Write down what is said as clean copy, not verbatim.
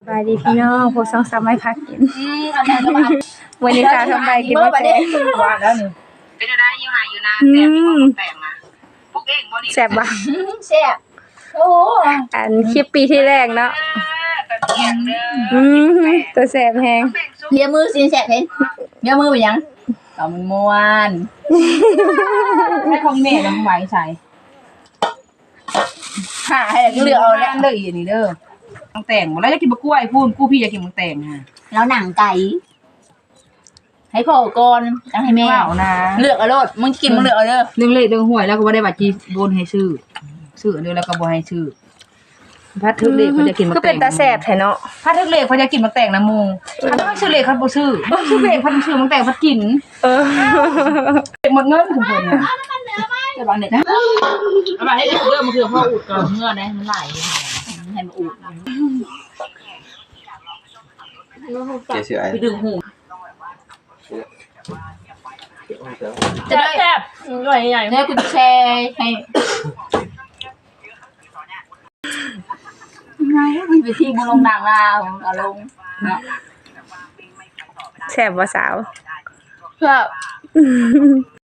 บายดีพี่น้องพวก2-3ไม้พักกินอันนั้นก็มาวันนี้สาวทำใบกินมาแต่ว่าแล้วนี่เป็นอะไรอยู่หาอยู่นาแต่มีคนแต่งมาพวกเองบ่นี่แซ่บบ่แซ่บโอ้อันคลิปปีที่แรกเนาะตะเกียงเด้อตัวแซ่บแฮงเลียมือสิแซ่บเห็นเลียมือไปยังเอามันม่วนให้ของแม่ลำไว้ใส่หาให้เลือกเอาแล้วเด้ออีนี่เด้อต้องแต่งบ่แล้วจะกินบะกล้วยพูนกูพี่อยากกินมังแต่งฮะแล้วหนังไก่ให้พ่อก่อนแล้วให้แม่ว้าวนะเลือกเอาโลดมึงกินมึงเลือกเอาเด้อเรื่องเลขเรื่องหวยแล้วก็บ่ได้บัตรจีโอนให้ซื้ออันนี้แล้วก็บ่ให้ซื้อพัดทึกเลขเขาจะกินมังก็แต่งเป็นตาแซ่บแท้เนาะพัดทึกเลขเขาจะกินมังแต่งนะหมู่พัดบ่ซื้อเลขเขาบ่ซื้อบ่ซื้อเลขพัดซื้อมังแต่งพัดกินเออเลขหมดเงินทุกคนน่ะจะบังเด็ดนะเอาไปให้เรื่องมันคือพ่ออุดก่อนเมื่อนะมันไหลให้มันอุดเจ๊ชื่อไอ้ไปดึงหูจะได้แซ่บใหญ่ๆเนี่ยกูแชร์ให้ไปที่บุลงดังลาวเอาลงเนาะแซ่บบ่สาวครับ